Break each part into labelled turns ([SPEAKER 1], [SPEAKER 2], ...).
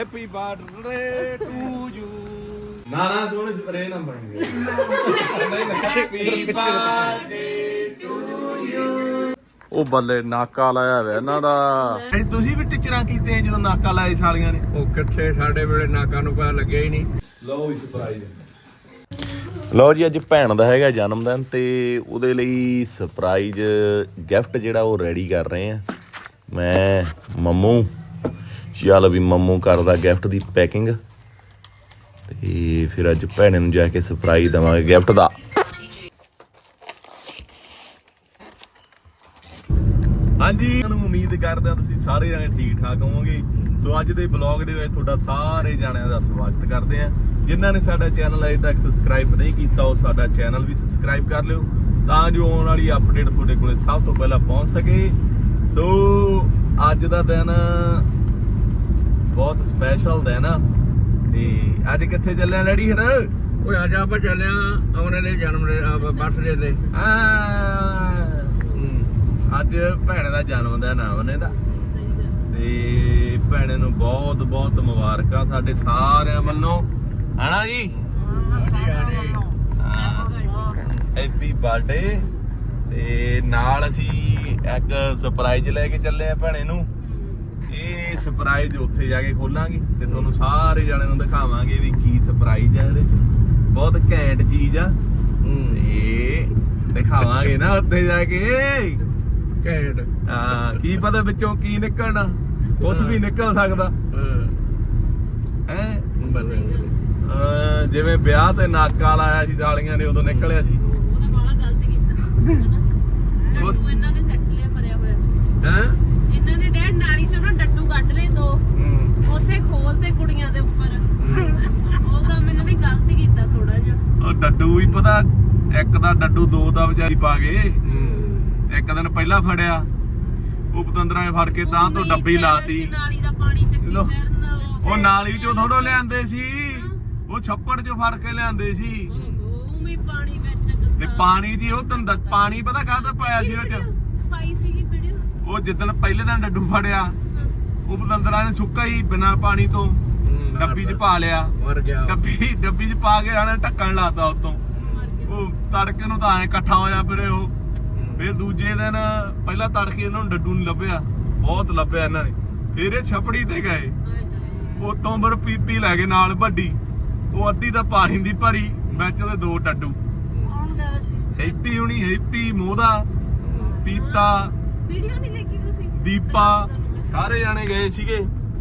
[SPEAKER 1] Happy birthday to you. ਨਾ ਨਾ ਸੋਹਣੇ ਸਪਰੇ ਨਾ ਬਣ ਗਏ। ਉਹ ਬੱਲੇ ਨਾਕਾ ਲਾਇਆ ਵੇ ਇਹਨਾਂ ਦਾ। ਤੁਸੀਂ ਵੀ ਟੀਚਰਾਂ ਕੀਤੇ ਜਦੋਂ ਨਾਕਾ ਲਾਏ ਸਾਲੀਆਂ ਨੇ?
[SPEAKER 2] ਉਹ ਕਿੱਥੇ, ਸਾਡੇ ਵੇਲੇ ਨਾਕਾ ਨੂੰ ਪਤਾ ਲੱਗਿਆ ਹੀ ਨਹੀਂ।
[SPEAKER 1] ਲਓ ਜੀ ਸਰਪ੍ਰਾਈਜ਼। ਲਓ ਜੀ ਅੱਜ ਭੈਣ ਦਾ ਹੈਗਾ ਜਨਮ ਦਿਨ ਤੇ ਉਹਦੇ ਲਈ ਸਰਪ੍ਰਾਈਜ਼ ਗਿਫਟ ਜਿਹੜਾ ਉਹ ਰੈਡੀ ਕਰ ਰਹੇ ਆ ਮੈਂ ਮੰਮੂ। ਚੱਲ ਵੀ ਮੰਮੂ ਕਰਦਾ ਗਿਫਟ ਦੀ ਪੈਕਿੰਗ ਤੇ ਫਿਰ ਅੱਜ ਭੈਣ ਨੂੰ ਜਾ ਕੇ ਸਰਪ੍ਰਾਈਜ਼ ਦੇਵਾਂਗੇ ਗਿਫਟ ਦਾ। ਹਾਂਜੀ ਤੁਹਾਨੂੰ ਉਮੀਦ ਕਰਦੇ ਹਾਂ ਤੁਸੀਂ ਸਾਰੇ ਜਣੇ ਠੀਕ ਠਾਕ ਹੋਵੋਗੇ। ਸੋ ਅੱਜ ਦੇ ਬਲੌਗ ਦੇ ਵਿੱਚ ਤੁਹਾਡਾ ਸਾਰੇ ਜਣਿਆਂ ਦਾ ਸਵਾਗਤ ਕਰਦੇ ਹਾਂ। ਜਿਨ੍ਹਾਂ ਨੇ ਸਾਡਾ ਚੈਨਲ ਅਜੇ ਤੱਕ ਸਬਸਕ੍ਰਾਈਬ ਨਹੀਂ ਕੀਤਾ ਉਹ ਸਾਡਾ ਚੈਨਲ ਵੀ ਸਬਸਕ੍ਰਾਈਬ ਕਰ ਲਿਓ ਤਾਂ ਜੋ ਆਉਣ ਵਾਲੀ ਅਪਡੇਟ ਤੁਹਾਡੇ ਕੋਲੇ ਸਭ ਤੋਂ ਪਹਿਲਾਂ ਪਹੁੰਚ ਸਕੇ। ਸੋ ਅੱਜ ਦਾ ਦਿਨ ਬਹੁਤ ਸਪੈਸ਼ਲ ਦਿਨ ਆ ਤੇ ਅੱਜ ਕਿੱਥੇ ਚੱਲੇ ਆ ਡੈਡੀ? ਫਿਰ
[SPEAKER 2] ਓਏ ਅੱਜ ਆਪਾਂ ਚੱਲੇ ਆ ਆਉਣੇ ਦੇ ਜਨਮ ਬਰਥਡੇ ਤੇ।
[SPEAKER 1] ਅੱਜ ਭੈਣ ਦਾ ਜਨਮ ਦਿਨ ਆ ਉਹਨੇ ਦਾ ਤੇ ਭੈਣ ਨੂੰ ਬਹੁਤ ਬਹੁਤ ਮੁਬਾਰਕਾਂ ਸਾਡੇ ਸਾਰਿਆਂ ਵੱਲੋਂ, ਹਨਾ ਜੀ? Happy birthday. ਤੇ ਨਾਲ ਅਸੀਂ ਇੱਕ ਸਰਪ੍ਰਾਈਜ਼ ਲੈ ਕੇ ਚੱਲੇ ਆ ਭੈਣੇ ਨੂੰ। ਇਹ ਸਰਪ੍ਰਾਈਜ਼ ਉੱਥੇ ਜਾ ਕੇ ਖੋਲਾਂਗੇ ਤੇ ਤੁਹਾਨੂੰ ਸਾਰੇ ਜਣਿਆਂ ਨੂੰ ਦਿਖਾਵਾਂਗੇ ਵੀ ਕੀ ਸਰਪ੍ਰਾਈਜ਼ ਆ ਇਹਦੇ ਚ। ਬਹੁਤ ਘੈਂਟ ਚੀਜ਼ ਆ ਤੇ ਦਿਖਾਵਾਂਗੇ ਨਾ ਉੱਥੇ ਜਾ ਕੇ।
[SPEAKER 2] ਘੈਂਟ।
[SPEAKER 1] ਹਾਂ, ਕੀ ਪਤਾ ਵਿੱਚੋਂ ਕੀ ਨਿਕਲਣਾ, ਕੁਛ ਵੀ ਨਿਕਲ ਸਕਦਾ ਹੈ। ਜਿਵੇਂ ਵਿਆਹ ਤੇ ਨਾਕਾ ਲਾਇਆ ਸੀ ਸਾਲੀਆਂ ਨੇ ਉਦੋਂ ਨਿਕਲਿਆ ਸੀ।
[SPEAKER 3] ਉਹਦਾ ਬੜਾ ਗਲਤ ਕੀਤਾ ਡੱਡੂ ਇਹਨਾਂ ਨੇ ਸੈੱਟ ਲਿਆ ਭਰਿਆ ਹੋਇਆ।
[SPEAKER 2] ਹਾਂ
[SPEAKER 3] ਇਹਨਾਂ ਨੇ ਡੈਡ ਨਾਲੀ ਚੋਂ ਨਾ ਡੱਡੂ ਕੱਢ ਲਏ ਦੋ, ਉੱਥੇ ਖੋਲ ਤੇ ਕੁੜੀਆਂ ਦੇ ਉੱਪਰ। ਉਹ ਕੰਮ ਇਹਨਾਂ ਨੇ ਗਲਤ ਕੀਤਾ ਥੋੜਾ ਜਿਹਾ।
[SPEAKER 1] ਉਹ ਡੱਡੂ ਵੀ ਪਤਾ, ਇੱਕ ਦਾ ਡੱਡੂ ਦੋ ਦਾ ਵਿਚਾਰੀ ਪਾ ਗਏ। ਇੱਕ ਦਿਨ ਪਹਿਲਾਂ ਫੜਿਆ ਉਹ ਪਤੰਦਰਾਂ ਨੇ ਫੜ ਕੇ ਤਾਂ ਤੋਂ ਡੱਬੀ ਲਾਤੀ।
[SPEAKER 3] ਨਾਲੀ ਦਾ ਪਾਣੀ ਚੱਕੀ ਫਿਰਨ।
[SPEAKER 1] ਉਹ ਨਾਲੀ ਚੋਂ ਥੋੜੋ ਲਿਆਂਦੇ ਸੀ, ਉਹ ਛੱਪੜ ਚੋਂ ਫੜ ਕੇ ਲਿਆਂਦੇ ਸੀ।
[SPEAKER 3] ਉਹ ਵੀ ਪਾਣੀ ਵਿੱਚ
[SPEAKER 1] ਤੇ ਪਾਣੀ ਦੀ ਉਹ ਤੰਦ ਪਾਣੀ ਪਤਾ ਕਾਹਦਾ ਪਾਇਆ ਸੀ ਉਹ ਚ?
[SPEAKER 3] ਪਾਈ ਸੀਗੀ ਵੀਡੀਓ।
[SPEAKER 1] ਉਹ ਜਿੱਦਣ ਪਹਿਲੇ ਦਿਨ ਡੱਡੂ ਫੜਿਆ ਉਹ ਪਤੰਦਰਾਂ ਨੇ ਸੁੱਕਾ ਹੀ ਬਿਨਾਂ ਪਾਣੀ ਤੋਂ ਡੱਬੀ 'ਚ ਪਾ ਲਿਆ।
[SPEAKER 2] ਮਰ ਗਿਆ।
[SPEAKER 1] ਡੱਬੀ 'ਚ ਪਾ ਕੇ ਆਣੇ ਢੱਕਣ ਲਾਤਾ ਉਤੋਂ। ਉਹ ਤੜਕੇ ਨੂੰ ਤਾਂ ਐ ਇਕੱਠਾ ਹੋਇਆ ਫਿਰੇ ਉਹ। ਫਿਰ ਦੂਜੇ ਦਿਨ ਪਹਿਲਾਂ ਤੜਕੇ ਇਹਨਾਂ ਨੂੰ ਡੱਡੂ ਨਹੀਂ ਲੱਭਿਆ, ਬਹੁਤ ਲੱਭਿਆ ਇਹਨਾਂ ਨੇ। ਫਿਰ ਇਹ ਛਪੜੀ ਤੇ ਗਏ, ਉਤੋਂ ਪਰ ਪੀਪੀ ਲੈ ਗਏ ਨਾਲ ਵੱਡੀ, ਉਹ ਅੱਧੀ ਤਾਂ ਪਾਣੀ ਦੀ ਭਰੀ, ਵਿੱਚ ਉਹਦੇ ਦੋ ਡੱਡੂ।
[SPEAKER 3] ਕੌਣ ਗਿਆ ਸੀ?
[SPEAKER 1] ਹੈਪੀ ਹੁਣੀ, ਹੈਪੀ ਮੋਦਾ, ਪੀਤਾ,
[SPEAKER 3] ਵੀਡੀਓ ਨਹੀਂ ਦੇਖੀ ਤੁਸੀਂ?
[SPEAKER 1] ਦੀਪਾ, ਸਾਰੇ ਜਾਣੇ ਗਏ ਸੀਗੇ।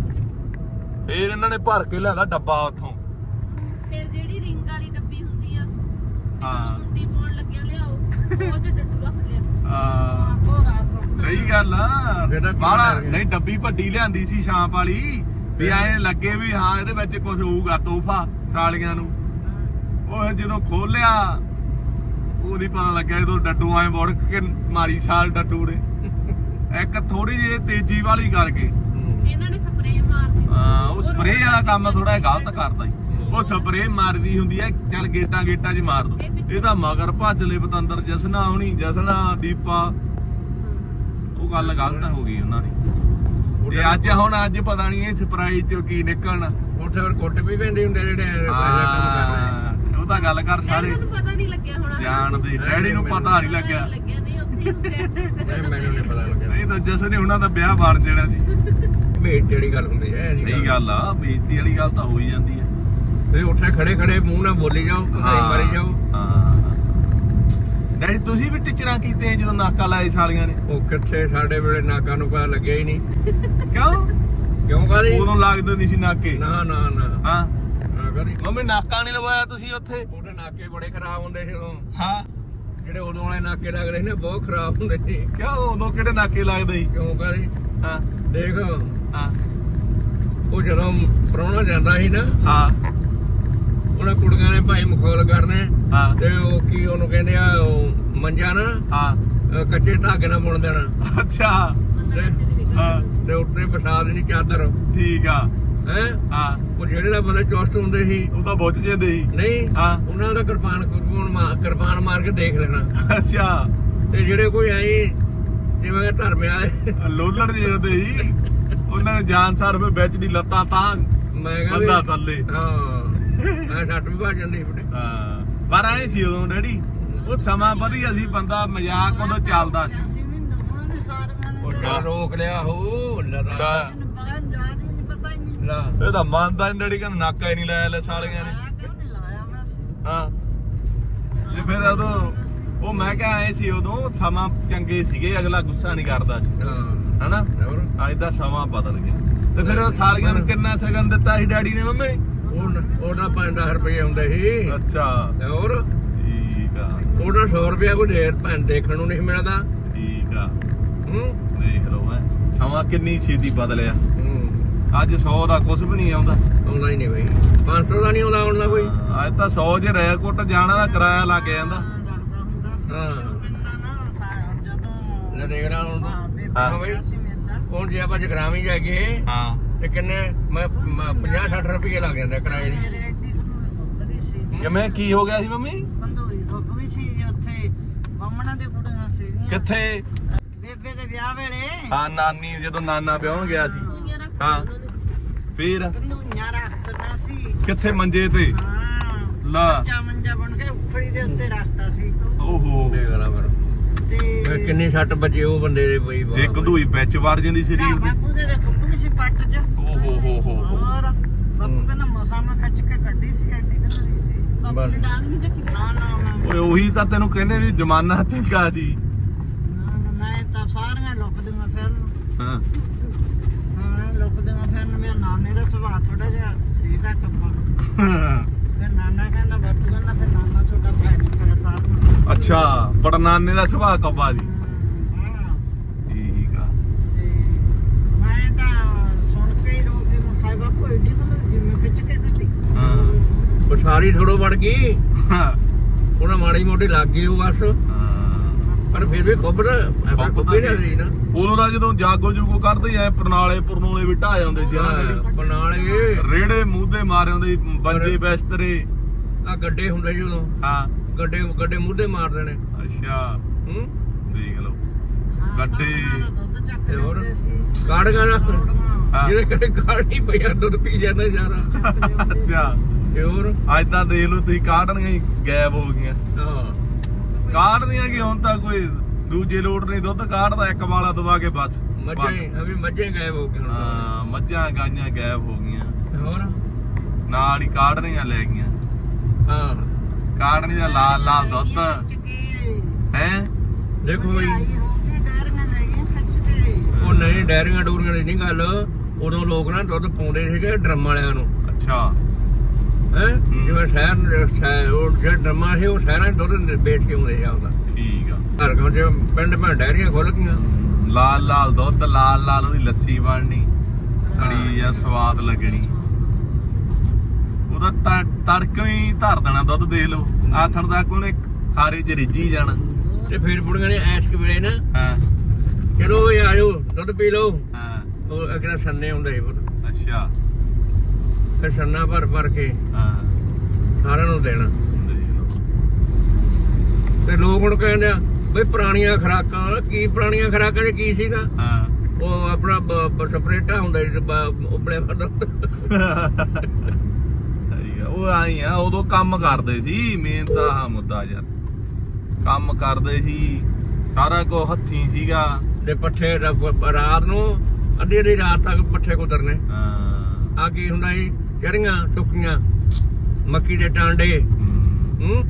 [SPEAKER 1] ਫਿਰ ਇਹਨਾਂ ਨੇ ਭਰ ਕੇ ਲਿਆਂਦਾ ਡੱਬਾ ਉੱਥੋਂ।
[SPEAKER 3] ਫਿਰ ਜਿਹੜੀ ਰਿੰਗ ਵਾਲੀ ਡੱਬੀ ਹੁੰਦੀ ਆ,
[SPEAKER 1] ਹਾਂ।
[SPEAKER 3] ਹੁੰਦੀ ਪਾਉਣ ਲੱਗਿਆ ਲਿਆਓ, ਉਹ ਚ ਡੱਡੂ ਰੱਖ ਲਿਆ।
[SPEAKER 1] ਹਾਂ
[SPEAKER 3] ਉਹ ਰਾਤ ਨੂੰ
[SPEAKER 1] ਸਹੀ ਗੱਲ ਆ। ਬਾਹਲਾ ਨਹੀਂ, ਡੱਬੀ ਵੱਡੀ ਲਿਆਂਦੀ ਸੀ ਸ਼ਾਂਪ ਵਾਲੀ ਵੀ ਐ ਲੱਗੇ ਵੀ ਹਾਂ ਇਹਦੇ ਵਿੱਚ ਕੁਝ ਹੋਊਗਾ ਤੋਹਫਾ ਸਾਲੀਆਂ ਨੂੰ। ਉਹ ਜਦੋਂ ਖੋਲਿਆ ਉਹਦੀ ਪਤਾ ਲੱਗਿਆ ਜਦੋਂ ਡੱਡੂ ਐ ਮੁੜ ਕੇ ਮਾਰੀ ਸਾਲ ਡੱਡੂ ਨੇ ਇੱਕ ਥੋੜੀ ਜਿਹੀ ਤੇਜ਼ੀ ਵਾਲੀ ਕਰਕੇ।
[SPEAKER 3] ਇਹਨਾਂ ਨੇ ਸਪਰੇਅ ਮਾਰਦੀ।
[SPEAKER 1] ਹਾਂ, ਉਹ ਸਪਰੇਅ ਵਾਲਾ ਕੰਮ ਥੋੜਾ ਗਲਤ ਕਰਦਾ ਈ। ਉਹ ਸਪਰੇਅ ਮਾਰਦੀ ਹੁੰਦੀ ਐ, ਚੱਲ ਗੇਟਾਂ 'ਚ ਮਾਰ ਦੋ। ਇਹਦਾ ਮਗਰ ਭੱਜ ਲੈ ਪਤੰਦਰ, ਜਸਨਾ ਹੁਣੀ, ਜਸਨਾ, ਦੀਪਾ। ਉਹ ਗੱਲ ਗਲਤ ਹੋ ਗਈ ਉਹਨਾਂ ਦੀ। ਤੇ ਅੱਜ ਪਤਾ ਨਹੀਂ ਇਹ ਸਰਪ੍ਰਾਈਜ਼ ਚੋਂ ਕੀ ਨਿਕਲਣਾ।
[SPEAKER 2] ਉੱਥੇ ਫਿਰ ਕੁੱਟ ਵੀ ਪੈਂਦੇ ਹੁੰਦੇ ਜਿਹੜੇ ਕੰਮ ਕਰ ਰਹੇ।
[SPEAKER 1] ਉਹ ਤਾਂ ਗੱਲ ਕਰ ਸਾਰੇ
[SPEAKER 3] ਮੈਨੂੰ ਪਤਾ ਨਹੀਂ ਲੱਗਿਆ ਹੋਣਾ।
[SPEAKER 1] ਜਾਣਦੇ, ਡੈਡੀ ਨੂੰ ਪਤਾ ਨਹੀਂ ਲੱਗਿਆ।
[SPEAKER 3] ਨਹੀਂ ਉੱਥੇ
[SPEAKER 2] ਮੈਨੂੰ ਨਹੀਂ ਪਤਾ ਲੱਗਿਆ।
[SPEAKER 1] ਨਹੀਂ ਤਾਂ ਜਸਨ ਨੇ ਉਹਨਾਂ ਦਾ ਵਿਆਹ ਬਣ ਜਾਣਾ ਸੀ।
[SPEAKER 2] ਬੇਇੱਜ਼ਤੀ ਵਾਲੀ ਗੱਲ ਹੁੰਦੀ ਹੈ।
[SPEAKER 1] ਸਹੀ ਗੱਲ ਆ, ਬੇਇੱਜ਼ਤੀ ਵਾਲੀ ਗੱਲ ਤਾਂ ਹੋ ਹੀ ਜਾਂਦੀ ਹੈ।
[SPEAKER 2] ਤੇ ਉੱਥੇ ਖੜੇ ਖੜੇ ਮੂੰਹ ਨਾਲ ਬੋਲੀ ਜਾਓ, ਹਾਈ ਮਾਰੀ ਜਾਓ।
[SPEAKER 1] ਡੈਡੀ ਤੁਸੀਂ ਵੀ ਟੀਚਰਾਂ ਕੀਤੇ ਜਦੋਂ ਨਾਕਾ ਲਾਏ ਸਾਲੀਆਂ ਨੇ?
[SPEAKER 2] ਉਹ ਕਿੱਥੇ, ਸਾਡੇ ਵੇਲੇ ਨਾਕਾ ਨੂੰ ਪਤਾ ਲੱਗਿਆ ਹੀ ਨਹੀਂ। ਕਿਉਂ ਕਰੀ?
[SPEAKER 1] ਉਦੋਂ ਲੱਗਦੇ ਨਹੀਂ ਸੀ ਨਾਕੇ।
[SPEAKER 2] ਨਾ ਨਾ ਨਾ
[SPEAKER 1] ਹਾਂ
[SPEAKER 2] ਨਾ ਕਰੀ।
[SPEAKER 1] ਮੰਮੀ ਨਾਕਾ ਨਹੀਂ ਲਵਾਇਆ ਤੁਸੀਂ ਉੱਥੇ?
[SPEAKER 2] ਉਹਦੇ ਨਾਕੇ ਬੜੇ ਖਰਾਬ ਹੁੰਦੇ ਸੀ ਉਦੋਂ।
[SPEAKER 1] ਹਾਂ,
[SPEAKER 2] ਜਿਹੜੇ ਉਦੋਂ ਵਾਲੇ ਨਾਕੇ ਲੱਗਦੇ ਸੀ ਨਾ ਬਹੁਤ ਖਰਾਬ ਹੁੰਦੇ ਸੀ।
[SPEAKER 1] ਕਿਉਂ ਉਦੋਂ ਕਿਹੜੇ ਨਾਕੇ ਲੱਗਦੇ ਸੀ?
[SPEAKER 2] ਕਿਉਂ ਕਰੀ?
[SPEAKER 1] ਹਾਂ
[SPEAKER 2] ਦੇਖ
[SPEAKER 1] ਹਾਂ
[SPEAKER 2] ਉਹ ਜਦੋਂ ਪ੍ਰਾਹੁਣਾ ਜਾਂਦਾ ਸੀ ਨਾ,
[SPEAKER 1] ਹਾਂ
[SPEAKER 2] ਉਹਨਾਂ ਕੁੜੀਆਂ ਨੇ ਭਾਈ ਮਖੌਲ ਕਰਨੇ।
[SPEAKER 1] ਹਾਂ
[SPEAKER 2] ਤੇ ਉਹ ਕੀ ਉਹਨੂੰ ਕਹਿੰਦੇ ਆ, ਉਹ ਮੰਜਾ ਨਾ
[SPEAKER 1] ਹਾਂ
[SPEAKER 2] ਕੱਚੇ ਧਾਗੇ ਨਾਲ ਬੁਣ ਦੇਣਾ।
[SPEAKER 1] ਅੱਛਾ ਹਾਂ
[SPEAKER 2] ਤੇ ਉੱਤੇ ਵਿਛਾ ਦੇਣੀ ਚਾਦਰ।
[SPEAKER 1] ਠੀਕ ਆ।
[SPEAKER 2] ਹੈ
[SPEAKER 1] ਹਾਂ,
[SPEAKER 2] ਉਹ ਜਿਹੜੇ ਦਾ ਬੰਦੇ ਚੁਸਤ ਹੁੰਦੇ ਸੀ
[SPEAKER 1] ਉਹ ਤਾਂ ਬੁੱਝ ਜਾਂਦੇ ਸੀ।
[SPEAKER 2] ਨਹੀਂ,
[SPEAKER 1] ਹਾਂ
[SPEAKER 2] ਉਹਨਾਂ ਦਾ ਕਿਰਪਾਨ ਮਾਰ ਕੇ ਦੇਖ ਲੈਣਾ।
[SPEAKER 1] ਅੱਛਾ।
[SPEAKER 2] ਤੇ ਜਿਹੜੇ ਕੋਈ ਆਈ ਜਿਵੇਂ ਧਰਮੇ ਵਾਲੇ
[SPEAKER 1] ਲੋਲੜ ਜਿਹੇ ਹੁੰਦੇ ਸੀ, ਉਹਨਾਂ ਨੇ ਜਾਨ ਸਾਰ ਵਿੱਚ ਦੀ ਲੱਤਾਂ ਤਾਂ
[SPEAKER 2] ਮੈਂ ਕਿਹਾ
[SPEAKER 1] ਬੰਦਾ ਥੱਲੇ
[SPEAKER 2] ਹਾਂ ਐ ਸੱਟ ਵੀ ਭੱਜ ਜਾਂਦੀ ਬੁੱਢੇ
[SPEAKER 1] ਹਾਂ ਪਰ ਐ ਸੀ ਉਦੋਂ ਡੈਡੀ ਉਹ ਸਮਾਂ ਵਧੀਆ ਸੀ ਬੰਦਾ ਮਜ਼ਾਕ ਉਦੋਂ ਚੱਲਦਾ ਸੀ
[SPEAKER 2] ਉਹ ਰੋਕ ਲਿਆ ਹੋ ਲਦਾ ਲਾ
[SPEAKER 1] ਇਹ ਤਾਂ ਮੰਨਦਾ ਨੀ ਡੈਡੀ ਕਹਿੰਦਾ ਨਾਕਾ ਹੀ ਨਹੀਂ ਲਾਇਆ ਲੈ ਸਾਲੀਆਂ ਨੇ ਹਾਂ ਤੇ ਫਿਰ ਉਦੋਂ ਉਹ ਮੈਂ ਕਿਹਾ ਐ ਸੀ ਉਦੋਂ ਸਮਾਂ ਚੰਗੇ ਸੀਗੇ ਅਗਲਾ ਗੁੱਸਾ ਨਹੀਂ ਕਰਦਾ ਸੀ
[SPEAKER 2] ਹਾਂ
[SPEAKER 1] ਹਨਾ
[SPEAKER 2] ਹੋਰ
[SPEAKER 1] ਅੱਜ ਦਾ ਸਮਾਂ ਬਦਲ ਗਿਆ ਤੇ ਫਿਰ ਉਹ ਸਾਲੀਆਂ ਨੂੰ ਕਿੰਨਾ ਸਗਨ ਦਿੱਤਾ ਸੀ ਡੈਡੀ ਨੇ ਮੰਮੀ
[SPEAKER 2] ਉਹਦਾ 5-10 ਰੁਪਏ ਹੁੰਦੇ ਸੀ
[SPEAKER 1] ਅੱਛਾ
[SPEAKER 2] ਤੇ ਹੋਰ
[SPEAKER 1] ਠੀਕ ਆ
[SPEAKER 2] ਉਹਦਾ 100 ਰੁਪਏ ਕੋਈ ਢੇਰ ਭੈਣ ਦੇਖਣ ਨੂੰ ਨਹੀਂ ਮਿਲਦਾ
[SPEAKER 1] ਠੀਕ ਆ
[SPEAKER 2] ਹੂੰ
[SPEAKER 1] ਦੇਖ ਲਓ ਐ ਸਮਾਂ ਕਿੰਨੀ ਛੇਤੀ ਬਦਲਿਆ
[SPEAKER 2] ਹੂੰ
[SPEAKER 1] ਅੱਜ 100 ਦਾ ਕੁਝ ਵੀ ਨਹੀਂ ਆਉਂਦਾ
[SPEAKER 2] ਆਉਂਦਾ ਹੀ ਨਹੀਂ ਬਈ 500 ਦਾ ਨਹੀਂ ਆਉਂਦਾ ਹੁਣ ਕੋਈ
[SPEAKER 1] ਅੱਜ ਤਾਂ 100 ਜੇ ਰੈਕੋਟ ਜਾਣਾ ਦਾ ਕਿਰਾਇਆ ਲੱਗ ਜਾਂਦਾ
[SPEAKER 2] ਹਾਂ ਲੈ ਦੇਖ ਰਾਂ ਹੁਣ
[SPEAKER 1] ਹਾਂ
[SPEAKER 2] ਬਈ ਹੁਣ ਜੇ ਆਪਾਂ ਜਗਰਾਵੀ ਜਾ ਕੇ
[SPEAKER 1] ਹਾਂ
[SPEAKER 2] ਤੇ ਕਿੰਨੇ ਮੈਂ 50-60 ਰੁਪਏ ਲੱਗ ਜਾਂਦੇ ਕਿਰਾਏ ਦੀ
[SPEAKER 1] ਕਿਵੇਂ ਕੀ ਹੋ ਗਿਆ ਸੀ ਮੰਮੀ ਕਿੱਥੇ
[SPEAKER 4] ਬੇਬੇ ਦੇ ਵਿਆਹ ਵੇਲੇ
[SPEAKER 1] ਹਾਂ ਨਾਨੀ ਜਦੋਂ ਨਾਨਾ ਵਿਆਹਣ ਗਿਆ ਸੀ
[SPEAKER 3] ਸੂਈਆਂ ਰੱਖ
[SPEAKER 1] ਹਾਂ ਫਿਰ
[SPEAKER 4] ਧਨੂਈਆਂ ਰੱਖਦਾ ਸੀ
[SPEAKER 1] ਕਿੱਥੇ ਮੰਜੇ ਤੇ
[SPEAKER 4] ਹਾਂ
[SPEAKER 1] ਲਾ
[SPEAKER 4] ਮੰਜਾ ਬਣ ਕੇ ਉਖੜੀ ਦੇ ਉੱਤੇ ਰੱਖਤਾ ਸੀ
[SPEAKER 1] ਓਹੋ
[SPEAKER 2] ਦੇਖ ਲਾ ਫਿਰ
[SPEAKER 4] ਤੇ
[SPEAKER 2] ਕਿੰਨੀ ਸੱਟ ਵੱਜੇ ਉਹ ਬੰਦੇ ਦੇ ਬਈ
[SPEAKER 1] ਜੇ ਕਧੂਈ ਵਿੱਚ ਵੜ ਜਾਂਦੀ ਸਰੀਰ ਦੇ
[SPEAKER 4] ਬਾਪੂ ਦੇ ਖੱਬੂ ਸੀ ਪੱਟ ਚ
[SPEAKER 1] ਓਹੋ ਹੋ
[SPEAKER 4] ਹੋਰ ਬਾਪੂ ਕਹਿੰਦਾ ਮਸਾਂ ਮੈਂ ਖਿੱਚ ਕੇ ਕੱਢੀ ਸੀ ਐਡੀ ਕਦਰੀ ਸੀ
[SPEAKER 3] ਬਾਪੂ ਨੇ ਡਾਂਗ ਨਹੀਂ ਚੱਕੀ
[SPEAKER 4] ਨਾ ਨਾ
[SPEAKER 1] ਓਏ ਉਹੀ ਤਾਂ ਤੈਨੂੰ ਕਹਿੰਦੇ ਵੀ ਜ਼ਮਾਨਾ ਚੰਗਾ ਸੀ
[SPEAKER 4] ਮੈਂ ਤਾਂ ਸਾਰੀਆਂ ਲੁਕਦੀਆਂ ਫਿਰ
[SPEAKER 1] ਹਾਂ
[SPEAKER 4] ਹਾਂ ਲੁਕਦੀਆਂ ਫਿਰ ਮੇਰੇ ਨਾਨੇ ਦਾ ਸੁਭਾਅ ਥੋੜਾ ਜਿਹਾ ਸੀਗਾ ਕੱਪਾ ਫਿਰ ਨਾਨਾ ਕਹਿੰਦਾ ਬਾਪੂ ਕਹਿੰਦਾ ਫਿਰ ਨਾਨਾ ਤੁਹਾਡਾ ਭਾਈ ਨਹੀਂ ਪਿਆ ਸਾਰਿਆਂ
[SPEAKER 1] ਅੱਛਾ ਪੜਨਾਨੇ ਦਾ ਸੁਭਾਅ ਕੱਬਾ ਸੀ
[SPEAKER 4] ਹਾਂ
[SPEAKER 1] ਠੀਕ ਆ
[SPEAKER 4] ਤੇ ਮੈਂ ਤਾਂ ਸੁਣ ਕੇ ਹੀ ਰੋ ਕੇ ਮੈਂ ਖਾਈ ਬਾਪੂ ਐਡੀ ਕੋਲ ਜਿਵੇਂ ਖਿੱਚ ਕੇ ਕੱਢੀ
[SPEAKER 1] ਹਾਂ
[SPEAKER 2] ਉਹ ਸਾਰੀ ਥੋੜੋ ਵੜ ਗਈ
[SPEAKER 1] ਹਾਂ
[SPEAKER 2] ਉਹਨਾਂ ਮਾੜੀ ਮੋਟੀ ਲੱਗ ਗਈ ਉਹ ਬਸ ਪਰ ਫਿਰ ਵੀ ਖੁੱਬਰ ਐਸਾ ਖੁੱਬੇ ਨਹੀਂ ਰਹੀ ਨਾ
[SPEAKER 1] ਉਦੋਂ ਦਾ ਜਦੋਂ ਜਾਗੋ ਜੂਗੋ ਕੱਢਦੇ ਐ ਪਰਨੋਲੇ ਵੀ ਢਾ ਜਾਂਦੇ ਸੀ ਹਨਾ ਜਿਹੜੀ
[SPEAKER 2] ਬਨਾਲੇ
[SPEAKER 1] ਰੇੜੇ ਮੂੰਹ ਤੇ ਮਾਰੇ ਹੁੰਦੇ ਸੀ ਬੰਜੇ ਬਿਸਤਰੇ
[SPEAKER 2] ਆ ਗੱਡੇ ਹੁੰਦੇ ਸੀ ਉਦੋਂ
[SPEAKER 1] ਹਾਂ
[SPEAKER 2] ਗੱਡੇ ਮੂਧੇ ਮਾਰ ਦੇਣੇ
[SPEAKER 1] ਅੱਛਾ
[SPEAKER 2] ਹੂੰ
[SPEAKER 1] ਦੇਖ ਲਓ ਗੱਡੇ
[SPEAKER 4] ਦੁੱਧ ਚੱਕ
[SPEAKER 2] ਤੇ ਹੋਰ?
[SPEAKER 4] ਲੈਂਦੇ ਸੀ
[SPEAKER 2] ਕਾੜਗਾ ਨਾ
[SPEAKER 1] ਹਾਂ।
[SPEAKER 2] ਜਿਹੜੇ ਕਦੇ ਕਾੜ ਨਹੀਂ ਪਈਆ ਦੁੱਧ ਪੀ ਜਾਂਦਾ ਸਾਰਾ
[SPEAKER 1] ਅੱਛਾ
[SPEAKER 2] ਤੇ ਹੋਰ
[SPEAKER 1] ਅੱਜ ਤਾਂ ਦੇਖ ਲਓ ਤੁਸੀਂ ਕਾਟਣੀਆਂ ਹੀ ਗਾਇਬ ਹੋ ਗਈਆਂ
[SPEAKER 2] ਹਾਂ
[SPEAKER 1] ਕਾਟਣੀਆਂ ਕੀ ਹੁਣ ਤਾਂ ਕੋਈ ਦੂਜੇ ਲੋਟ ਨਹੀਂ ਦੁੱਧ ਕਾਟਦਾ ਇੱਕ ਵਾਲਾ ਦਵਾ ਕੇ ਬਸ
[SPEAKER 2] ਮੱਝਾਂ ਹੀ ਅਭੀ ਮੱਝਾਂ ਹੀ ਗਾਇਬ ਹੋ ਗਏ ਹੁਣ
[SPEAKER 1] ਹਾਂ ਮੱਝਾਂ ਗਾਈਆਂ ਗਾਇਬ ਹੋ ਗਈਆਂ
[SPEAKER 2] ਹੋਰ
[SPEAKER 1] ਨਾਲ ਹੀ ਕਾਟਣੀਆਂ ਲੈ ਗਈਆਂ
[SPEAKER 2] ਹਾਂ
[SPEAKER 1] ਕਾਟਣੀ ਦਾ ਲਾਲ ਲਾਲ ਦੁੱਧ ਹੈ
[SPEAKER 2] ਦੇਖੋ ਬਈ
[SPEAKER 4] ਡੈਰੀਆਂ ਲਈਆਂ ਖਿੱਚ ਕੇ
[SPEAKER 2] ਉਹ ਨਹੀਂ ਡੈਰੀਆਂ ਡੂਰੀਆਂ ਦੀ ਨਹੀਂ ਗੱਲ ਉਦੋਂ ਲੋਕ ਨਾ ਦੁੱਧ ਪਾਉਂਦੇ ਸੀਗੇ ਡਰਮ ਵਾਲਿਆਂ ਨੂੰ
[SPEAKER 1] ਅੱਛਾ
[SPEAKER 2] ਹੈ ਜਿਵੇਂ ਸ਼ਹਿਰ ਉਹ ਜਿਹੜੇ ਡਰਮਾਂ ਸੀ ਉਹ ਸ਼ਹਿਰਾਂ 'ਚ ਦੁੱਧ ਵੇਚ ਕੇ ਆਉਂਦੇ ਆ ਉਹਦਾ
[SPEAKER 1] ਠੀਕ ਆ
[SPEAKER 2] ਘਰ ਕੋਲ ਜੇ ਪਿੰਡ ਮੈਂ ਡੈਰੀਆਂ ਖੁੱਲ ਗਈਆਂ
[SPEAKER 1] ਲਾਲ ਲਾਲ ਦੁੱਧ ਲਾਲ ਲਾਲ ਉਹਦੀ ਲੱਸੀ ਬਣਨੀ ਬੜੀ ਜਾਂ ਸਵਾਦ ਲੱਗਣੀ ਉਹਦਾ ਤੜਕੋਂ ਹੀ ਧਰ ਦੇਣਾ ਦੁੱਧ ਦੇਖ ਲਓ ਆਥਣ ਤੱਕ ਉਹਨੇ ਹਾਰੇ ਚ ਰਿੱਝੀ ਜਾਣਾ
[SPEAKER 2] ਤੇ ਫਿਰ ਬੁੜੀਆਂ ਨੇ ਐਸ਼ਕ ਵੇਲੇ ਨਾ
[SPEAKER 1] ਹਾਂ
[SPEAKER 2] ਚਲੋ ਇਹ ਆਜੋ ਦੁੱਧ ਪੀ ਲਓ
[SPEAKER 1] ਹਾਂ
[SPEAKER 2] ਉਹ ਅਗਲਾ ਸੰਨੇ ਹੁੰਦੇ ਸੀ ਪੁੱਤ
[SPEAKER 1] ਅੱਛਾ
[SPEAKER 2] ਫਿਰ ਸੰਨਾ ਭਰ ਕੇ
[SPEAKER 1] ਹਾਂ
[SPEAKER 2] ਸਾਰਿਆਂ ਨੂੰ ਦੇਣਾ
[SPEAKER 1] ਦੇਖ ਲਓ
[SPEAKER 2] ਤੇ ਲੋਕ ਹੁਣ ਕਹਿੰਦੇ ਆ ਬਈ ਪੁਰਾਣੀਆਂ ਖੁਰਾਕਾਂ ਕੀ ਪੁਰਾਣੀਆਂ ਖੁਰਾਕਾਂ 'ਚ ਕੀ ਸੀਗਾ
[SPEAKER 1] ਹਾਂ
[SPEAKER 2] ਉਹ ਆਪਣਾ ਸਪਰੇਟਾ ਹੁੰਦਾ ਸੀ ਉਬਲਿਆ ਫਿਰਦਾ
[SPEAKER 1] ਸਹੀ ਆ, ਉਹ ਆਈ ਆ ਉਦੋਂ ਕੰਮ ਕਰਦੇ ਸੀ ਮੇਨ ਤਾਂ ਆਹ ਮੁੱਦਾ ਯਾਰ ਕੰਮ ਕਰਦੇ ਸੀ ਸਾਰਾ ਕੁਝ ਹੱਥੀਂ ਸੀਗਾ
[SPEAKER 2] ਤੇ ਪੱਠੇ ਰਾਤ ਨੂੰ ਅੱਧੀ ਰਾਤ ਤੱਕ ਪੱਠੇ ਕੁਤਰਨੇ
[SPEAKER 1] ਹਾਂ
[SPEAKER 2] ਆ ਕੀ ਹੁੰਦਾ ਸੀ ਚਰੀਆਂ ਸੁੱਕੀਆਂ ਮੱਕੀ ਦੇ ਟਾਂਡੇ ਹੂੰ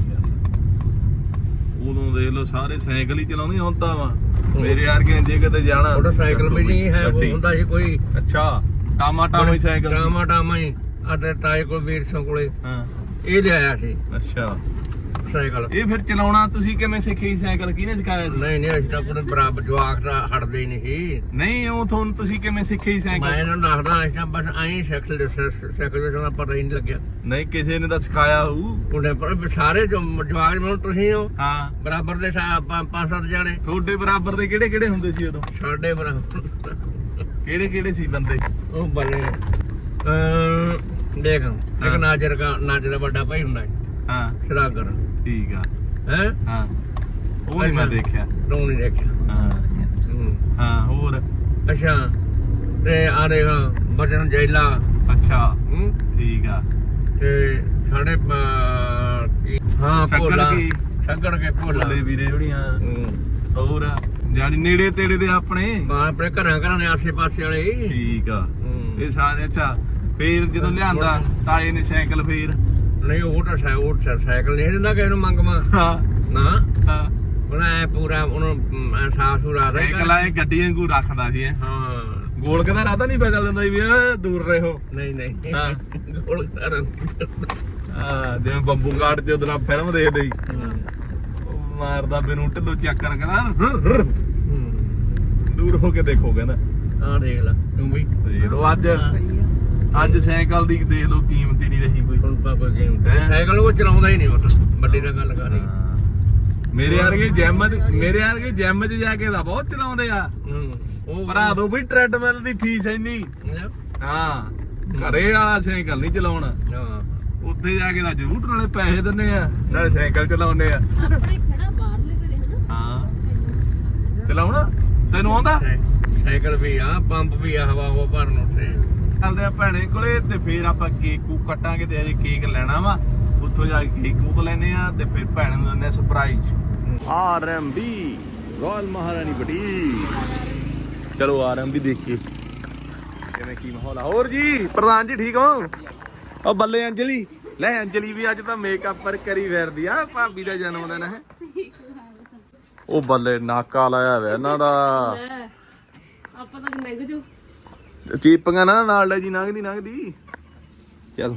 [SPEAKER 1] ਉਦੋਂ ਦੇਖ ਲਓ ਸਾਰੇ ਸਾਈਕਲ ਹੀ ਚਲਾਉਂਦੇ ਹੁਣ ਤਾਂ ਵਾ ਮੇਰੇ ਵਰਗੇ ਜੇ ਕਿਤੇ ਜਾਣਾ
[SPEAKER 2] ਮੋਟਰਸਾਈਕਲ ਵੀ ਨਹੀਂ ਹੈ ਉਹ ਹੁੰਦਾ ਸੀ ਕੋਈ
[SPEAKER 1] ਅੱਛਾ ਟਾਮਾ ਟਾਮਾ ਹੀ ਸਾਈਕਲ ਸੀ।
[SPEAKER 2] ਟਾਮਾ ਹੀ ਅਤੇ ਤਾਏ ਕੋਲ ਵੀਰ ਸਿੰਘ ਕੋਲੇ
[SPEAKER 1] ਹਾਂ
[SPEAKER 2] ਇਹ ਲਿਆਇਆ ਸੀ
[SPEAKER 1] ਅੱਛਾ
[SPEAKER 2] ਸਾਈਕਲ
[SPEAKER 1] ਇਹ ਫਿਰ ਚਲਾਉਣਾ ਤੁਸੀਂ ਕਿਵੇਂ ਸਿੱਖੀ ਸਾਈਕਲ ਕਿਹਨੇ ਸਿਖਾਇਆ ਸੀ
[SPEAKER 2] ਨਹੀਂ ਅਸੀਂ ਤਾਂ ਆਪਣੇ ਬਰਾਬਰ ਜਵਾਕ ਦਾ ਹਟਦੇ ਹੀ ਨਹੀਂ ਸੀ
[SPEAKER 1] ਨਹੀਂ ਉਹ ਤੁਹਾਨੂੰ ਤੁਸੀਂ ਕਿਵੇਂ ਸਿੱਖੀ
[SPEAKER 2] ਮੈਂ
[SPEAKER 1] ਸਾਈਕਲ
[SPEAKER 2] ਇਹਨਾਂ ਨੂੰ ਦੱਸਦਾ ਅਸੀਂ ਤਾਂ ਬਸ ਐਂ ਸਾਈਕਲ ਦੇ ਸਾਨੂੰ ਪਤਾ ਹੀ ਨਹੀਂ ਲੱਗਿਆ
[SPEAKER 1] ਨਹੀਂ ਕਿਸੇ ਨੇ ਤਾਂ ਸਿਖਾਇਆ ਹੋਊ
[SPEAKER 2] ਉਹਨੇ ਪਰ ਸਾਰੇ ਜਵਾਕ ਮੈਨੂੰ ਤੁਸੀਂ ਹੋ
[SPEAKER 1] ਹਾਂ
[SPEAKER 2] ਬਰਾਬਰ ਦੇ 5-7 ਜਾਣੇ
[SPEAKER 1] ਤੁਹਾਡੇ ਬਰਾਬਰ ਦੇ ਕਿਹੜੇ ਕਿਹੜੇ ਹੁੰਦੇ ਸੀ ਉਦੋਂ
[SPEAKER 2] ਸਾਡੇ ਬਰਾਬਰ
[SPEAKER 1] ਕਿਹੜੇ ਕਿਹੜੇ ਸੀ ਬੰਦੇ
[SPEAKER 2] ਉਹ ਬਣੇ ਦੇਖ ਇੱਕ ਨਾਜਰ ਦਾ ਵੱਡਾ ਭਾਈ ਹੁੰਦਾ
[SPEAKER 1] ਹਾਂ
[SPEAKER 2] ਸਰਾਗਰ
[SPEAKER 1] ਠੀਕ ਆ
[SPEAKER 2] ਹੈ
[SPEAKER 1] ਹਾਂ ਉਹ ਨਹੀਂ ਮੈਂ ਦੇਖਿਆ
[SPEAKER 2] ਤੂੰ ਨਹੀਂ ਦੇਖਿਆ
[SPEAKER 1] ਹਾਂ
[SPEAKER 2] ਹੂੰ।
[SPEAKER 1] ਹਾਂ ਹੋਰ
[SPEAKER 2] ਅੱਛਾ ਤੇ ਆ ਦੇਖ ਬਚਨ ਜੈਲਾ
[SPEAKER 1] ਅੱਛਾ
[SPEAKER 2] ਹੂੰ
[SPEAKER 1] ਠੀਕ ਆ
[SPEAKER 2] ਤੇ ਸਾਡੇ ਹਾਂ
[SPEAKER 1] ਸ਼ੱਕਰ
[SPEAKER 2] ਭੋਲਾ
[SPEAKER 1] ਕੀ?
[SPEAKER 2] ਸ਼ੱਕਰ ਕੇ ਭੋਲਾ
[SPEAKER 1] ਭੋਲੇ ਵੀਰੇ ਜਿਹੜੀਆਂ
[SPEAKER 2] ਹੂੰ
[SPEAKER 1] ਹੋਰ ਜਾਨੀ ਨੇੜੇ ਤੇੜੇ ਦੇ ਆਪਣੇ
[SPEAKER 2] ਆਪਣੇ ਘਰਾਂ ਦੇ ਆਸੇ ਪਾਸੇ ਵਾਲੇ ਹੀ।
[SPEAKER 1] ਠੀਕ ਆ
[SPEAKER 2] ਹੂੰ।
[SPEAKER 1] ਇਹ ਸਾਰੇ ਅੱਛਾ ਫੇਰ ਜਦੋਂ ਲਿਆਂਦਾ ਤਾਏ ਨੇ ਸਾਈਕਲ ਫੇਰ
[SPEAKER 2] ਨਹੀਂ ਉਹ ਤਾਂ ਸਾਈਕਲ ਨਹੀਂ ਦਿੰਦਾ ਕਿਸੇ ਨੂੰ ਮੰਗਵਾ
[SPEAKER 1] ਹਾਂ
[SPEAKER 2] ਨਾ
[SPEAKER 1] ਹਾਂ
[SPEAKER 2] ਉਹਨਾਂ ਐ ਪੂਰਾ ਉਹਨੂੰ ਸਾਫ ਸੁਰਾ ਦਾ
[SPEAKER 1] ਸਾਈਕਲ ਆਏ ਗੱਡੀ ਵਾਂਗੂ ਰੱਖਦਾ ਸੀ ਇਹ।
[SPEAKER 2] ਹਾਂ
[SPEAKER 1] ਗੋਲ ਕਦਾ ਰਾਤਾ ਨਹੀਂ ਬਗਲ ਦਿੰਦਾ ਸੀ ਵੀ ਓਏ ਦੂਰ ਰਹੋ
[SPEAKER 2] ਨਹੀਂ ਨਹੀਂ
[SPEAKER 1] ਹਾਂ।
[SPEAKER 2] ਗੋਲ ਕਰ
[SPEAKER 1] ਹਾਂ ਜਿਵੇਂ ਬੱਬੂ ਕਾਟ ਚ ਉਹਦਾ ਫਿਲਮ ਦੇਖਦੇ ਸੀ ਉਹ ਮਾਰਦਾ ਮੈਨੂੰ ਢਿੱਲੋਂ ਚੱਕਰ ਕਹਿੰਦਾ ਦੂਰ ਹੋ ਕੇ ਦੇਖੋ ਕਹਿੰਦਾ
[SPEAKER 2] ਆ ਦੇਖ ਲੈ ਤੂੰ ਵੀ
[SPEAKER 1] ਦੇਖ ਲਓ ਅੱਜ ਸਾਈਕਲ ਦੀ ਦੇਖ ਲਓ ਕੀਮਤ ਹੀ ਨਹੀਂ ਰਹੀ ਕੋਈ
[SPEAKER 2] ਹੁਣ ਪਾ ਕੋਈ ਗੇਮ
[SPEAKER 1] ਹੈਂ?
[SPEAKER 2] ਸਾਈਕਲ ਉਹ ਚਲਾਉਂਦਾ ਹੀ ਨਹੀਂ ਮਤਲਬ ਵੱਡੀ ਦਾ ਗੱਲ ਕਰ ਰਹੀ
[SPEAKER 1] ਮੇਰੇ ਵਰਗੇ ਜਿਮ 'ਚ ਜਾ ਕੇ ਤਾਂ ਬਹੁਤ ਚਲਾਉਂਦੇ ਆ
[SPEAKER 2] ਉਹ
[SPEAKER 1] ਭਰਾ ਦੋ ਵੀ ਟ੍ਰੈਡਮਿਲ ਦੀ ਫੀਸ ਇੰਨੀ ਹਾਂ ਘਰੇ ਵਾਲਾ ਸਾਈਕਲ ਨਹੀਂ ਚਲਾਉਣਾ
[SPEAKER 2] ਹਾਂ
[SPEAKER 1] ਉੱਥੇ ਜਾ ਕੇ ਤਾਂ ਜ਼ਰੂਰ ਨਾਲੇ ਪੈਸੇ ਦਿੰਨੇ ਆ ਨਾਲੇ ਸਾਈਕਲ ਚਲਾਉਂਦੇ ਆ
[SPEAKER 3] ਆਪਣੇ ਖੜਾ ਬਾਹਰਲੇ ਘਰੇ ਹਨਾ
[SPEAKER 1] ਹਾਂ ਚਲਾਉਣਾ ਤੈਨੂੰ ਆਉਂਦਾ
[SPEAKER 2] ਸਾਈਕਲ ਵੀ ਆ ਪੰਪ ਵੀ ਆ ਹਵਾ ਉਹ ਭਰਨ ਉੱਤੇ
[SPEAKER 1] ਚੱਲਦੇ ਆ ਭੈਣੇ ਕੋਲੇ ਤੇ ਫੇਰ ਆਪਾਂ ਕੇਕ ਕੂਕ ਕੱਟਾਂਗੇ ਤੇ ਅਜੇ ਕੇਕ ਲੈਣਾ ਵਾ ਉੱਥੋਂ ਜਾ ਕੇ ਕੇਕ ਕੂਕ ਲੈਨੇ ਆ ਤੇ ਫਿਰ ਭੈਣ ਨੂੰ ਦਿੰਦੇ ਆ surprise RMB royal Maharani boutique ਚਲੋ ਆਰਐਮਬੀ ਦੇਖੀਏ ਕਿਵੇਂ ਕੀ ਮਾਹੌਲ ਆ ਹੋਰ ਜੀ ਪ੍ਰਧਾਨ ਜੀ ਠੀਕ ਹੋ ਉਹ ਬੱਲੇ ਅੰਜਲੀ ਲੈ ਅੰਜਲੀ ਵੀ ਅੱਜ ਤਾਂ ਮੇਕਅਪ ਪਰ ਕਰੀ ਫਿਰਦੀ ਆ ਭਾਬੀ ਦਾ ਜਨਮ ਦਿਨ ਹੈ ਉਹ ਬੱਲੇ ਨਾਕਾ ਲਾਇਆ ਵੇ ਇਹਨਾਂ ਦਾ
[SPEAKER 3] ਆਪਾਂ ਤਾਂ ਨਿਗ ਜੂ
[SPEAKER 1] ਚੀਪੀਆਂ ਨਾ ਨਾਲ ਲੈ ਜੀ ਲੰਘਦੀ ਚਲ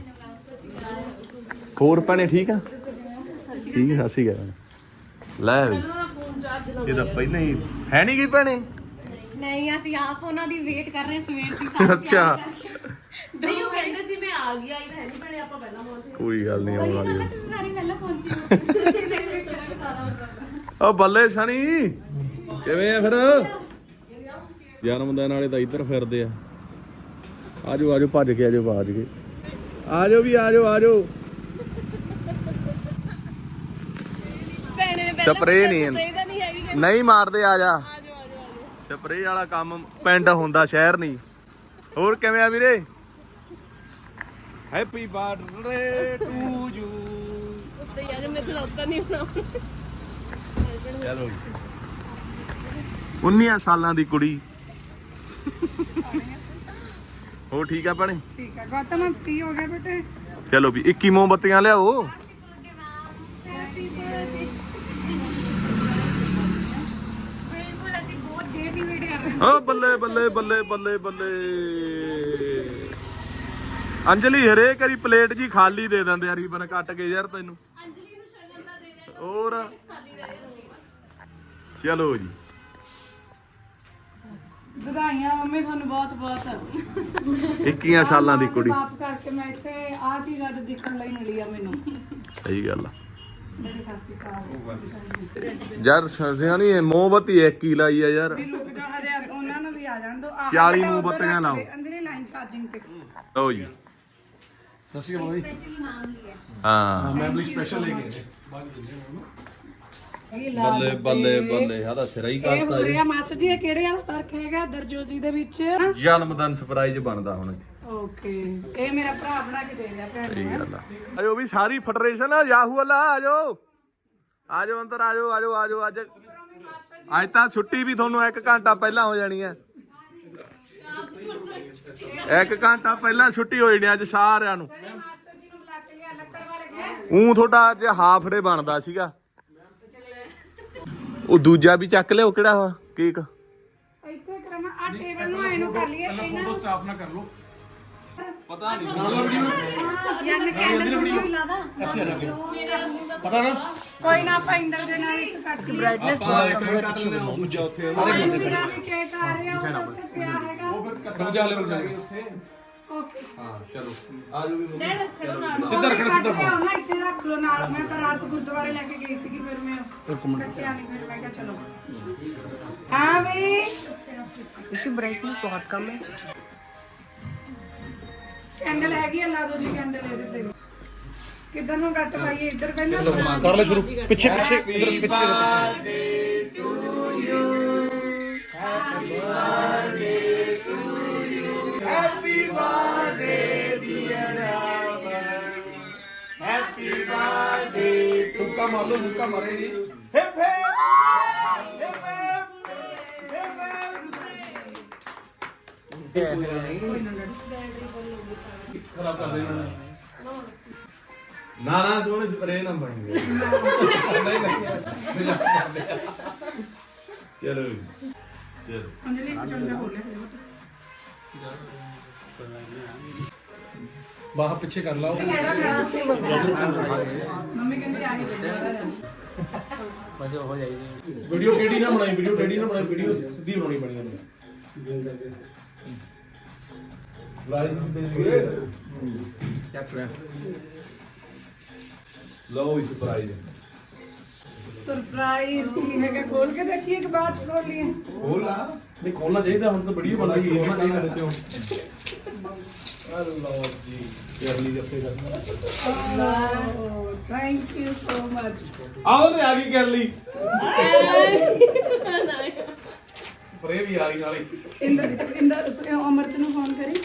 [SPEAKER 1] ਹੋਰ ਭੈਣੇ ਠੀਕ ਆ ਠੀਕ ਆ ਸਹੀ ਗੱਲ ਲੈ ਵੀ ਇਹ ਤਾਂ ਪਹਿਲਾਂ ਹੀ ਹੈ ਨਹੀਂ ਗਈ ਭੈਣੇ
[SPEAKER 5] ਨਹੀਂ ਅਸੀਂ ਆਪ ਉਹਨਾਂ ਦੀ ਵੇਟ ਕਰ ਰਹੇ ਸਵੇਰ ਦੀ
[SPEAKER 1] ਅੱਛਾ
[SPEAKER 3] ਨਹੀਂ ਉਹ ਕਹਿੰਦੇ ਸੀ ਮੈਂ ਆ ਗਈ ਆਈ ਤਾਂ ਹੈ ਨਹੀਂ ਭੈਣੇ ਆਪਾਂ ਪਹਿਲਾਂ ਪਹੁੰਚੇ
[SPEAKER 1] ਕੋਈ ਗੱਲ ਨਹੀਂ ਆਉਣ ਵਾਲੀ ਆ।
[SPEAKER 5] ਤੁਸੀਂ ਸਾਰੀ ਪਹਿਲਾਂ ਪਹੁੰਚੀ
[SPEAKER 1] ਉਹ ਬੱਲੇ ਸਣੀ ਕਿਵੇਂ ਆ ਫਿਰ ਜਨਮ ਦਿਨ ਵਾਲੇ ਤਾਂ ਇੱਧਰ ਫਿਰਦੇ ਆ ਆਜੋ ਆਜੋ ਭੱਜ ਕੇ ਆਜੋ ਆਜੋ ਵੀ ਆਜੋ
[SPEAKER 3] ਭੈਣੇ ਨੇ
[SPEAKER 1] ਸਪਰੇਅ ਨਹੀਂ
[SPEAKER 3] ਦਾ ਨਹੀਂ ਹੈਗੀ
[SPEAKER 1] ਨਹੀਂ ਮਾਰਦੇ ਆ ਜਾ ਸਪਰੇਅ ਵਾਲਾ ਕੰਮ ਪਿੰਡ ਹੁੰਦਾ ਸ਼ਹਿਰ ਨਹੀਂ ਹੋਰ ਕਿਵੇਂ ਆ ਵੀਰੇ ਹੈਪੀ ਬਰਥਡੇ ਟੂ ਯੂ
[SPEAKER 3] ਉੱਤੇ ਯਾਰ ਮੈਂ ਖਲੋਤਾ ਨਹੀਂ ਹੋਣਾ
[SPEAKER 1] ਚਲੋ 19 ਸਾਲਾਂ ਦੀ ਕੁੜੀ ਹੋ ਠੀਕ ਆ ਭੈਣੇ
[SPEAKER 4] ਠੀਕ ਹੈ ਗੌਤਮ ਕੀ ਹੋ ਗਿਆ ਬੇਟੇ
[SPEAKER 1] ਚਲੋ ਵੀ 21 ਮੋਮਬੱਤੀਆਂ ਲਿਆਓ
[SPEAKER 5] ਬਿਲਕੁਲ ਅਸੀਂ ਬਹੁਤ ਦੇਰ ਦੀ ਵੇਟ ਕਰ ਰਹੇ
[SPEAKER 1] ਓ ਬੱਲੇ ਅੰਜਲੀ ਹਰੇਕ ਵਾਰੀ ਪਲੇਟ ਜੀ ਖਾਲੀ ਦੇ ਦਿੰਦੇ ਆ ਰੀਬਨ ਕੱਟ ਕੇ ਯਾਰ ਤੈਨੂੰ
[SPEAKER 3] ਅੰਜਲੀ ਨੂੰ ਸ਼ਗਨ ਦਾ ਦੇ ਦੇ
[SPEAKER 1] ਹੋਰ ਚਲੋ ਜੀ
[SPEAKER 6] ਵਧਾਈਆਂ ਮੰਮੀ ਤੁਹਾਨੂੰ ਬਹੁਤ ਬਹੁਤ
[SPEAKER 1] 21 ਸਾਲਾਂ ਦੀ ਕੁੜੀ
[SPEAKER 6] ਮਾਫ ਕਰਕੇ ਮੈਂ ਇੱਥੇ ਆ ਚੀਜ਼ ਅੱਜ ਦੇਖਣ ਲਈ ਮਿਲੀ ਆ ਮੈਨੂੰ
[SPEAKER 1] ਸਹੀ ਗੱਲ ਆ
[SPEAKER 6] ਮੇਰੀ ਸਤਿ ਸ਼੍ਰੀ ਅਕਾਲ
[SPEAKER 1] ਯਾਰ ਸਰਦੀਆਂ ਨਹੀਂ ਮੋਮਬੱਤੀ ਇੱਕ ਹੀ ਲਾਈ ਆ ਯਾਰ
[SPEAKER 6] ਵੀ ਰੁਕ ਜਾ ਹਰੇ ਉਹਨਾਂ ਨੂੰ ਵੀ ਆ ਜਾਣ ਦੋ
[SPEAKER 1] 40 ਮੋਮਬੱਤੀਆਂ ਲਾਓ
[SPEAKER 6] ਅੰਜਲੀ ਲਾਈਨ ਚਾਰਜਿੰਗ ਤੇ
[SPEAKER 1] ਲਓ ਜੀ
[SPEAKER 5] ਸਪੈਸ਼ਲੀ ਨਾਮ ਲਿਆ
[SPEAKER 1] ਹਾਂ ਬੱਲੇ ਆਦਾ ਸਿਰਾ ਹੀ
[SPEAKER 6] ਇਹ ਹੋ ਰਿਹਾ ਮਾਸਟਰ ਜੀ ਇਹ ਕਿਹੜੇ ਵਾਲਾ ਫਰਕ ਹੈਗਾ ਦਰਜੋਜੀ ਦੇ ਵਿੱਚ
[SPEAKER 1] ਜਨਮ ਦਿਨ ਸਰਪ੍ਰਾਈਜ਼ ਬਣਦਾ ਹੁਣ
[SPEAKER 6] ਓਕੇ ਇਹ ਮੇਰਾ ਭਰਾ ਬਣਾ ਕੇ ਦੇ ਗਿਆ ਭੈਣ
[SPEAKER 1] ਸਹੀ
[SPEAKER 6] ਨੂੰ
[SPEAKER 1] ਗੱਲ ਆ ਆਜੋ ਵੀ ਸਾਰੀ ਫੈਡਰੇਸ਼ਨ ਆ ਯਾਹੂ ਅੱਲਾ ਆਜੋ ਅੰਦਰ ਆਜੋ ਅੱਜ ਤਾਂ ਛੁੱਟੀ ਵੀ ਤੁਹਾਨੂੰ 1 ਘੰਟਾ ਪਹਿਲਾਂ ਹੋ ਜਾਣੀ ਹੈ 1 ਘੰਟਾ ਪਹਿਲਾਂ ਛੁੱਟੀ ਹੋ ਜਾਣੀ ਅੱਜ ਸਾਰਿਆਂ ਨੂੰ
[SPEAKER 6] ਮਾਸਟਰ ਜੀ ਨੂੰ ਬੁਲਾ ਕੇ ਲਿਆ ਲੱਕੜ ਵਾਲੇ ਗਏ
[SPEAKER 1] ਤੁਹਾਡਾ ਅੱਜ ਹਾਫ ਡੇ ਬਣਦਾ ਸੀਗਾ ਉਹ ਦੂਜਾ ਵੀ ਚੱਕ ਲਿਓ ਕਿਹੜਾ ਵਾ ਕੇਕ
[SPEAKER 6] ਇੱਥੇ ਕਰਾਂਗਾ ਆ ਟੇਬਲ ਨੂੰ ਆਏ ਨੂੰ ਕਰ ਲਈਏ ਇਹਨਾਂ
[SPEAKER 1] ਸਟਾਫ ਨਾ ਕਰ ਲੋ
[SPEAKER 6] ਯਾਰ ਕੈਂਡਲ ਵੀ ਲਾਦਾ
[SPEAKER 1] ਪਤਾ ਨਾ
[SPEAKER 6] ਕੋਈ ਨਾ ਆਪਾਂ ਇੰਦਰ ਦੇ ਨਾਲ ਇੱਕ ਕੱਟ ਕੇ ਬ੍ਰਾਈਟਨੈਸ
[SPEAKER 1] ਕੱਟ ਲੈਣਾ ਦੂਜਾ ਉੱਥੇ
[SPEAKER 6] ਮੇਰਾ ਵੀ ਕੇਕ ਆ ਰਿਹਾ ਉਹ ਉੱਥੇ ਪਿਆ ਹੈਗਾ
[SPEAKER 1] ਰੁਕ ਜਾ ਉੱਥੇ
[SPEAKER 6] ਓਕੇ
[SPEAKER 1] ਹਾਂ ਚਲੋ ਆਜੋ ਵੀ
[SPEAKER 6] ਸਿੱਧਾ ਰੱਖਣਾ ਇੱਥੇ ਰੱਖ ਲਓ ਨਾਲ ਮੈਂ ਤਾਂ ਰਾਤ ਗੁਰਦੁਆਰੇ ਲੈ ਕੇ ਗਈ ਸੀਗੀ ਫਿਰ ਮੈਂ ਰੱਖਿਆ ਨਹੀਂ ਫਿਰ ਮੈਂ ਕਿਹਾ ਚਲੋ ਹਾਂ ਵੀ
[SPEAKER 7] इसकी ब्राइटनेस बहुत कम है
[SPEAKER 6] ਕੈਂਡਲ ਹੈਗੀ ਆ ਲਾ ਦੋ ਜੀ ਕੈਂਡਲ ਇਹਦੇ ਤੇ ਕਿੱਧਰ ਨੂੰ ਕੱਟ ਪਾਈਏ ਇੱਧਰ ਪਹਿਲਾਂ
[SPEAKER 1] ਕਰ ਲੈ ਸ਼ੁਰੂ ਪਿੱਛੇ ਇਧਰ ਪਿੱਛੇ Happy birthday
[SPEAKER 2] ਮੁੱਕਾ ਮਾਰ ਲਓ ਮੁੱਕਾ ਮਾਰੇ ਜੀ
[SPEAKER 1] ਹਿਪ ਹਿਪ ਹਿਪ
[SPEAKER 2] ਖਰਾਬ ਕਰ ਦੇਣਾ
[SPEAKER 1] ਨਾ ਸੋਹਣੇ ਸਪਰੇ ਨਾ ਬਣ ਗਏ
[SPEAKER 2] ਨਹੀਂ
[SPEAKER 1] ਚਲੋ ਚਲੋ
[SPEAKER 6] ਅੰਜਲੀ ਚੰਗਾ ਹੋ ਲਿਆ
[SPEAKER 2] ਬਾਹ ਪਿੱਛੇ ਕਰ ਲਾਓ
[SPEAKER 6] ਮੰਮੀ ਕਹਿੰਦੀ ਆਹੀ
[SPEAKER 2] ਵੀਡੀਓ ਕਿਹੜੀ ਨਾ ਬਣਾਈ ਵੀਡੀਓ ਸਿੱਧੀ ਬਣਾਉਣੀ ਬਣੀ ਉਹਨੇ
[SPEAKER 1] ਲਓ ਇਸ ਪ੍ਰਾਈਜ਼
[SPEAKER 6] ਸਰਪ੍ਰਾਈਜ਼ ਕੀ ਹੈਗਾ ਖੋਲ ਕੇ ਦੇਖੀਏ ਕਿ ਬਾਅਦ ਚ ਖੋਲ ਲਈਏ
[SPEAKER 1] ਖੋਲ ਲਾ
[SPEAKER 2] ਨਹੀਂ ਖੋਲਣਾ ਚਾਹੀਦਾ ਹੁਣ ਤਾਂ ਵੀਡੀਓ ਬਣ ਗਈ ਖੋਲਣਾ ਚਾਹੀਦਾ ਤੇ
[SPEAKER 1] ਲਓ ਜੀ ਕੇਰਲੀ ਜੱਫੇ ਦਾ
[SPEAKER 6] ਥੈਂਕ ਯੂ ਸੋ ਮਚ
[SPEAKER 1] ਆਓ ਤੇ ਆ ਗਈ ਕੇਰਲੀ ਸਪਰੇ ਵੀ ਆ ਗਈ ਨਾਲੇ
[SPEAKER 6] ਇੰਦਰ ਅਮਰਤ ਨੂੰ ਫੋਨ ਕਰੀ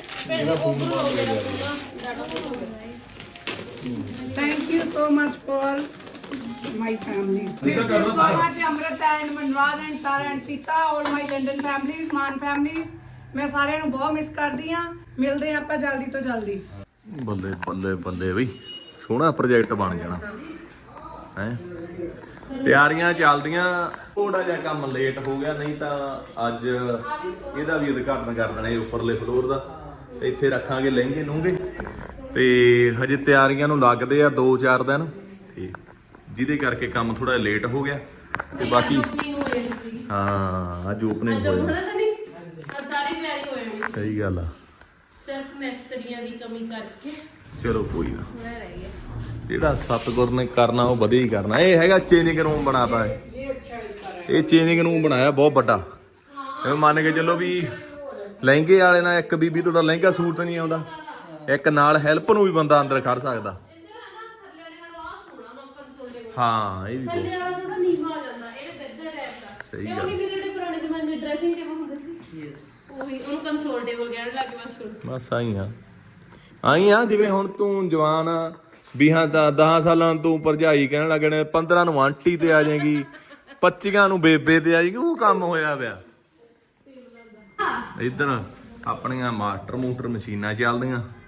[SPEAKER 6] thank you so much for my family. Thank you so much Amrit and Manwaz and Tara and Sita, all my London families, Man families. ਮੈਂ ਸਾਰਿਆਂ ਨੂੰ ਬਹੁਤ ਮਿਸ ਕਰਦੀ ਆ ਮਿਲਦੇ ਆਪਾਂ ਜਲਦੀ ਤੋਂ ਜਲਦੀ
[SPEAKER 1] ਬੱਲੇ ਬੱਲੇ ਬੱਲੇ ਬਈ ਸੋਹਣਾ ਪ੍ਰੋਜੈਕਟ ਬਣ ਜਾਣਾ ਹੈ ਤਿਆਰੀਆਂ ਚੱਲਦੀਆਂ ਥੋੜਾ ਜਿਹਾ ਕੰਮ ਲੇਟ ਹੋ ਗਿਆ ਨਹੀਂ ਤਾਂ ਅੱਜ ਇਹਦਾ ਵੀ ਉਦਘਾਟਨ ਕਰ ਦੇਣਾ ਇਹ ਉੱਪਰਲੇ ਫਲੋਰ ਦਾ ਇੱਥੇ ਰੱਖਾਂਗੇ ਲਹਿੰਗੇ ਲੂੰਗੇ ਤੇ ਹਜੇ ਤਿਆਰੀਆਂ ਨੂੰ ਲੱਗਦੇ ਆ 2-4 ਦਿਨ ਤੇ ਜਿਹਦੇ ਕਰਕੇ ਕੰਮ ਥੋੜਾ ਲੇਟ ਹੋ ਗਿਆ ਤੇ ਬਾਕੀ ਹਾਂ ਅੱਜ ਓਪਨਿੰਗ ਹੋਇਆ
[SPEAKER 3] ਸਾਰੀ ਤਿਆਰੀ ਹੋ ਜਾਣੀ
[SPEAKER 1] ਸਹੀ ਗੱਲ ਆ
[SPEAKER 3] ਸਿਰਫ ਮਿਸਤਰੀਆਂ ਦੀ ਕਮੀ ਕਰਕੇ
[SPEAKER 1] ਚਲੋ ਕੋਈ ਨਾ
[SPEAKER 3] ਮੈਂ ਰਹਿ ਗਿਆ
[SPEAKER 1] ਜਿਹੜਾ ਸਤਿਗੁਰ ਨੇ ਕਰਨਾ ਉਹ ਵਧੀਆ ਹੀ ਕਰਨਾ ਇਹ ਹੈਗਾ ਚੇਂਜਿੰਗ ਰੂਮ ਬਣਾਤਾ ਹੈ ਇਹ ਚੇਂਜਿੰਗ ਰੂਮ ਬਣਾਇਆ ਬਹੁਤ ਵੱਡਾ ਇਹ ਮੰਨ ਕੇ ਚੱਲੋ ਵੀ ਲਹਿੰਗੇ ਵਾਲੇ ਨਾਲ ਇੱਕ ਬੀਬੀ ਤੋਂ ਤਾਂ ਲਹਿੰਗਾ ਸੂਟ ਨਹੀਂ ਆਉਂਦਾ ਇੱਕ ਨਾਲ ਹੈਲਪ ਨੂੰ ਵੀ ਬੰਦਾ ਅੰਦਰ ਖੜ ਸਕਦਾ ਹਾਂ ਇਹ ਵੀ ਬਹੁਤ
[SPEAKER 3] ਥੱਲੇ ਵਾਲਾ ਥੋੜਾ ਨੀਵਾਂ ਆ ਜਾਂਦਾ ਇਹਦੇ ਬੈੱਡ ਟਾਈਪ ਦਾ
[SPEAKER 1] ਸਹੀ
[SPEAKER 3] ਇਹ
[SPEAKER 1] ਗੱਲ।
[SPEAKER 3] ਉਹਨੇ ਮੇਰੇ ਪੁਰਾਣੇ ਜ਼ਮਾਨੇ ਡਰੈਸਿੰਗ ਟੇਬਲ ਹੁੰਦੇ ਸੀ ਉਹੀ ਉਹਨੂੰ ਕੰਸੋਲ ਟੇਬਲ ਕਹਿਣ ਲੱਗੇ ਬਸ
[SPEAKER 1] ਬਸ ਆਈ ਆ ਜਿਵੇਂ ਹੁਣ ਤੂੰ ਜਵਾਨ ਆ 10 ਸਾਲਾਂ ਤੋਂ ਭਰਜਾਈ ਕਹਿਣ ਲੱਗਣੇ 15 ਨੂੰ ਆਂਟੀ ਤੇ ਆ ਜਾਏਗੀ 25 ਨੂੰ ਬੇਬੇ ਤੇ ਆ ਜਾਏਗੀ ਉਹ ਕੰਮ ਹੋਇਆ ਪਿਆ ਇੱਧਰ ਆਪਣੀਆਂ ਮਾਸਟਰ ਮੋਟਰ ਮਸ਼ੀਨਾਂ ਚੱਲਦੀਆਂ